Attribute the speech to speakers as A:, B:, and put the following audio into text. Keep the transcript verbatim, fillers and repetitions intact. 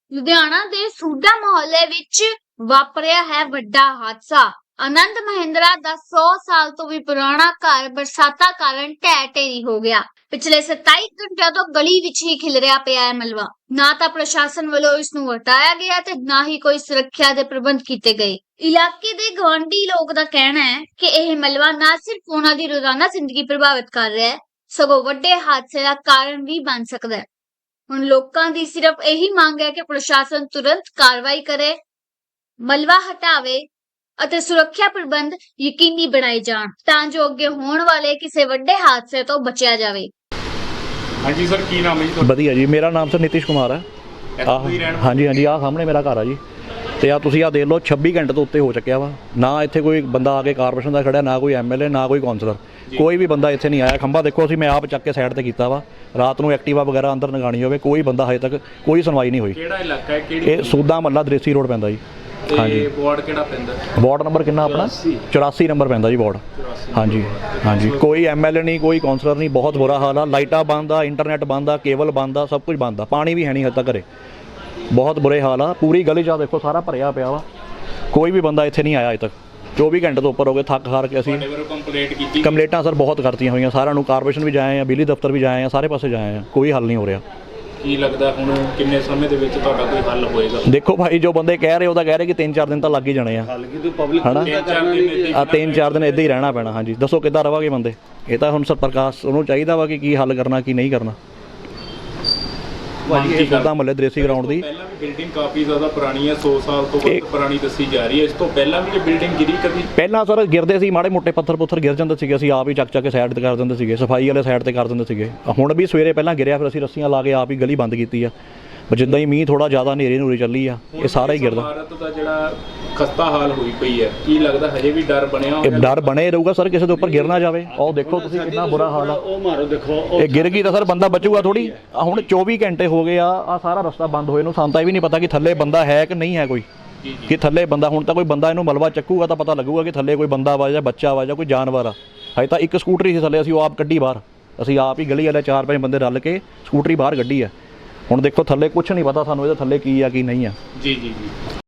A: ਲੁਧਿਆਣਾ ਦੇ ਸੂਡਾ ਮੁਹੱਲੇ ਵਿੱਚ ਵਾਪਰਿਆ ਹੈ ਵੱਡਾ ਹਾਦਸਾ। ਆਨੰਦ ਮਹਿੰਦਰਾ ਦਾ ਸੌ ਸਾਲ ਤੋਂ ਵੀ ਪੁਰਾਣਾ ਘਰ ਬਰਸਾਤਾਂ ਕਾਰਨ ਢਹਿ ਢੇਰੀ ਹੋ ਗਿਆ। ਪਿਛਲੇ ਸਤਾਈ ਘੰਟਿਆਂ ਤੋਂ ਗਲੀ ਵਿੱਚ ਹੀ ਖਿਲਰਿਆ ਪਿਆ ਹੈ ਮਲਬਾ। ਨਾ ਤਾਂ ਪ੍ਰਸ਼ਾਸਨ ਵੱਲੋਂ ਇਸ ਨੂੰ ਹਟਾਇਆ ਗਿਆ ਤੇ ਨਾ ਹੀ ਕੋਈ ਸੁਰੱਖਿਆ ਦੇ ਪ੍ਰਬੰਧ ਕੀਤੇ ਗਏ। ਇਲਾਕੇ ਦੇ ਗਵਾਂਢੀ ਲੋਕ ਦਾ ਕਹਿਣਾ ਹੈ ਕਿ ਇਹ ਮਲਬਾ ਨਾ ਸਿਰਫ ਉਹਨਾਂ ਦੀ ਰੋਜ਼ਾਨਾ ਜ਼ਿੰਦਗੀ ਪ੍ਰਭਾਵਿਤ ਕਰ ਰਿਹਾ ਹੈ, ਸਗੋਂ ਵੱਡੇ ਹਾਦਸੇ ਦਾ ਕਾਰਨ ਵੀ ਬਣ ਸਕਦਾ ਹੈ। ਹੁਣ ਲੋਕਾਂ ਦੀ ਸਿਰਫ ਇਹੀ ਮੰਗ ਹੈ ਕਿ ਪ੍ਰਸ਼ਾਸਨ ਤੁਰੰਤ ਕਾਰਵਾਈ ਕਰੇ, ਮਲਬਾ ਹਟਾਵੇ ਅਤੇ ਸੁਰੱਖਿਆ ਪ੍ਰਬੰਧ ਯਕੀਨੀ ਬਣਾਏ ਜਾਣ ਤਾਂ ਜੋ ਅੱਗੇ ਹੋਣ ਵਾਲੇ ਕਿਸੇ ਵੱਡੇ ਹਾਦਸੇ ਤੋਂ ਬਚਿਆ ਜਾਵੇ।
B: ਹਾਂਜੀ ਸਰ, ਕੀ ਨਾਮ ਹੈ ਜੀ ਤੁਹਾਡਾ?
C: ਵਧੀਆ ਜੀ, ਮੇਰਾ ਨਾਮ ਸਰ ਨਿਤਿਸ਼ ਕੁਮਾਰ ਹੈ। ਆਹ ਹਾਂਜੀ ਹਾਂਜੀ ਆਹ ਸਾਹਮਣੇ ਮੇਰਾ ਘਰ ਆ ਜੀ। ਤੇ ਆ ਤੁਸੀਂ ਆ ਦੇਖ ਲਓ ਛੱਬੀ ਘੰਟੇ ਤੋਂ ਉੱਤੇ ਹੋ ਚੁੱਕਿਆ ਵਾ। ਨਾ ਇੱਥੇ ਕੋਈ ਬੰਦਾ ਆ ਕੇ ਕਾਰਪੋਰੇਸ਼ਨ ਦਾ ਖੜਿਆ, ਨਾ ਕੋਈ ਐਮਐਲਏ, ਨਾ ਕੋਈ ਕਾਉਂਸਲਰ, ਕੋਈ ਵੀ ਬੰਦਾ ਇੱਥੇ ਨਹੀਂ ਆਇਆ। ਖੰਭਾ ਦੇਖੋ ਅਸੀਂ ਮੈਂ ਆਪ ਚੱਕ ਕੇ ਸਾਈਡ ਤੇ ਕੀਤਾ ਵਾ। ਰਾਤ ਨੂੰ ਐਕਟਿਵਾ ਵਗੈਰਾ ਅੰਦਰ ਲਗਾਉਣੀ ਹੋਵੇ, ਕੋਈ ਬੰਦਾ ਹਜੇ ਤੱਕ ਕੋਈ ਸੁਣਵਾਈ ਨਹੀਂ ਹੋਈ।
B: ਕਿਹੜਾ ਇਲਾਕਾ ਹੈ? ਕਿਹੜੀ?
C: ਇਹ ਸੂਦਾ ਮਹੱਲਾ ਦ੍ਰੇਸੀ ਰੋਡ ਪੈਂਦਾ ਜੀ।
B: ਹਾਂਜੀ। ਵਾਰਡ ਕਿਹੜਾ ਪੈਂਦਾ?
C: ਵਾਰਡ ਨੰਬਰ ਕਿੰਨਾ ਆਪਣਾ? ਚੁਰਾਸੀ ਨੰਬਰ ਪੈਂਦਾ ਜੀ ਵਾਰਡ। ਹਾਂਜੀ ਹਾਂਜੀ, ਕੋਈ ਐਮਐਲਏ ਨਹੀਂ, ਕੋਈ ਕਾਉਂਸਲਰ ਨਹੀਂ। ਬਹੁਤ ਬੁਰਾ ਹਾਲ ਆ। ਲਾਈਟਾਂ ਬੰਦ ਆ, ਇੰਟਰਨੈਟ ਬੰਦ ਆ, ਕੇਬਲ ਬੰਦ ਆ, ਸਭ ਕੁਝ ਬੰਦ ਆ। ਪਾਣੀ ਵੀ ਹੈ ਨਹੀਂ ਹਜੇ ਤੱਕ ਘਰੇ। ਬਹੁਤ ਬੁਰੇ ਹਾਲ ਆ। ਪੂਰੀ ਗਲੀ 'ਚ ਦੇਖੋ ਸਾਰਾ ਭਰਿਆ ਪਿਆ ਵਾ। ਕੋਈ ਵੀ ਬੰਦਾ ਇੱਥੇ ਨਹੀਂ ਆਇਆ ਅਜੇ ਤੱਕ। ਚੌਵੀ ਘੰਟੇ ਤੋਂ ਉੱਪਰ ਹੋ ਗਏ। ਥੱਕ ਹਾਰ ਕੇ ਅਸੀਂ
B: ਕੰਪਲੇਂਟ ਕੀਤੀ।
C: ਕੰਪਲੇਂਟਾਂ ਸਰ ਬਹੁਤ ਕਰਤੀਆਂ ਹੋਈਆਂ। ਸਾਰਿਆਂ ਨੂੰ ਕਾਰਪੋਰੇਸ਼ਨ ਵੀ ਜਾਏ ਆ, ਬਿਜਲੀ ਦਫ਼ਤਰ ਵੀ ਜਾਏ ਆ, ਸਾਰੇ ਪਾਸੇ ਜਾਏ ਆ, ਕੋਈ ਹੱਲ ਨਹੀਂ ਹੋ ਰਿਹਾ।
B: ਕੀ ਲੱਗਦਾ ਹੁਣ ਕਿੰਨੇ ਸਮੇਂ ਦੇ ਵਿੱਚ ਤੁਹਾਡਾ ਕੋਈ ਹੱਲ ਹੋਏਗਾ?
C: ਦੇਖੋ ਭਾਈ, ਜੋ ਬੰਦੇ ਕਹਿ ਰਹੇ ਉਹ ਤਾਂ ਕਹਿ ਰਹੇ ਕਿ ਤਿੰਨ ਚਾਰ ਦਿਨ ਤਾਂ ਲੱਗ ਹੀ ਜਾਣੇ ਆ। ਹਨਾ ਆ ਤਿੰਨ ਚਾਰ ਦਿਨ ਇੱਦਾਂ ਹੀ ਰਹਿਣਾ ਪੈਣਾ। ਹਾਂਜੀ ਦੱਸੋ ਕਿੱਦਾਂ ਰਵਾਂਗੇ ਬੰਦੇ? ਇਹ ਤਾਂ ਹੁਣ ਸਰ ਪ੍ਰਕਾਸ਼ ਉਹਨੂੰ ਚਾਹੀਦਾ ਵਾ ਕਿ ਕੀ ਹੱਲ ਕਰਨਾ ਕੀ ਨਹੀਂ ਕਰਨਾ। ਭਾਜੀ ਸੂਦਾ ਮਹੱਲੇ ਦ੍ਰੇਸੀ ਗਰਾਊਂਡ ਦੀ
B: ਪਹਿਲਾਂ ਵੀ ਬਿਲਡਿੰਗ ਕਾਫੀ ਜ਼ਿਆਦਾ ਪੁਰਾਣੀ ਹੈ, ਸੌ ਸਾਲ ਤੋਂ ਵੱਧ ਪੁਰਾਣੀ ਦੱਸੀ ਜਾ ਰਹੀ ਹੈ। ਇਸ ਤੋਂ ਪਹਿਲਾਂ ਵੀ ਇਹ ਬਿਲਡਿੰਗ ਗਿਰੀ ਕਦੀ?
C: ਪਹਿਲਾਂ ਸਰ ਗਿਰਦੇ ਸੀ, ਮਾੜੇ ਮੋਟੇ ਪੱਥਰ ਪੁੱਥਰ ਗਿਰ ਜਾਂਦੇ ਸੀਗੇ, ਅਸੀਂ ਆਪ ਹੀ ਚੱਕ ਚੱਕ ਕੇ ਸਾਈਡ ਤੇ ਕਰ ਦਿੰਦੇ ਸੀਗੇ, ਸਫਾਈ ਵਾਲੇ ਸਾਈਡ ਤੇ ਕਰ ਦਿੰਦੇ ਸੀਗੇ। ਹੁਣ ਵੀ ਸਵੇਰੇ ਪਹਿਲਾਂ ਗਿਰਿਆ, ਫਿਰ ਅਸੀਂ ਰੱਸੀਆਂ ਲਾ ਕੇ ਆਪ ਹੀ ਗਲੀ ਬੰਦ ਕੀਤੀ ਆ। ਪਰ ਜਿੱਦਾਂ ਹੀ ਮੀਂਹ ਥੋੜਾ ਜ਼ਿਆਦਾ ਹਨੇਰੀ ਨੂਰੀ ਚੱਲੀ ਆ, ਇਹ ਸਾਰਾ ਹੀ ਗਿਰਦਾ।
B: ਭਾਰਤ ਦਾ ਜਿਹੜਾ ਖਸਤਾ ਹਾਲ ਹੋਈ ਪਈ ਹੈ, ਕੀ ਲੱਗਦਾ ਹਜੇ ਵੀ ਡਰ ਬਣਿਆ
C: ਇਹ ਡਰ ਬਣੇ ਰਹੂਗਾ ਸਰ, ਕਿਸੇ ਦੇ ਉੱਪਰ ਗਿਰ ਨਾ ਜਾਵੇ। ਆਹ ਦੇਖੋ ਤੁਸੀਂ ਕਿੰਨਾ ਬੁਰਾ ਹਾਲ ਆ।
D: ਉਹ ਮਾਰੋ ਦੇਖੋ,
C: ਇਹ ਗਿਰ ਗਈ ਤਾਂ ਸਰ ਬੰਦਾ ਬਚੂਗਾ ਥੋੜੀ। ਹੁਣ ਚੌਵੀ ਘੰਟੇ ਹੋ ਗਏ ਆ, ਆ ਸਾਰਾ ਰਸਤਾ ਬੰਦ ਹੋਏ ਨੂੰ। ਸਾਨੂੰ ਤਾਂ ਇਹ ਵੀ ਨਹੀਂ ਪਤਾ ਕਿ ਥੱਲੇ ਬੰਦਾ ਹੈ ਕਿ ਨਹੀਂ ਹੈ ਕੋਈ, ਕਿ ਥੱਲੇ ਬੰਦਾ। ਹੁਣ ਤਾਂ ਕੋਈ ਬੰਦਾ ਇਹਨੂੰ ਮਲਬਾ ਚੱਕੂਗਾ ਤਾਂ ਪਤਾ ਲੱਗੂਗਾ ਕਿ ਥੱਲੇ ਕੋਈ ਬੰਦਾ ਵਾ ਜਾਂ ਬੱਚਾ ਵਾ ਜਾਂ ਕੋਈ ਜਾਨਵਰ ਆ। ਹਜੇ ਤਾਂ ਇੱਕ ਸਕੂਟਰੀ ਸੀ ਥੱਲੇ, ਅਸੀਂ ਉਹ ਆਪ ਕੱਢੀ ਬਾਹਰ। ਅਸੀਂ ਆਪ ਹੀ ਗਲੀ ਵਾਲੇ ਚਾਰ ਪੰਜ ਬੰਦੇ ਰਲ ਕੇ ਸਕੂਟਰੀ ਬਾਹਰ ਕੱਢੀ ਆ। ਹੁਣ ਦੇਖੋ ਥੱਲੇ ਕੁਛ ਨਹੀਂ ਪਤਾ ਸਾਨੂੰ, ਇਹਦੇ ਥੱਲੇ ਕੀ ਆ ਕੀ ਨਹੀਂ ਆ।
B: ਜੀ ਜੀ ਜੀ।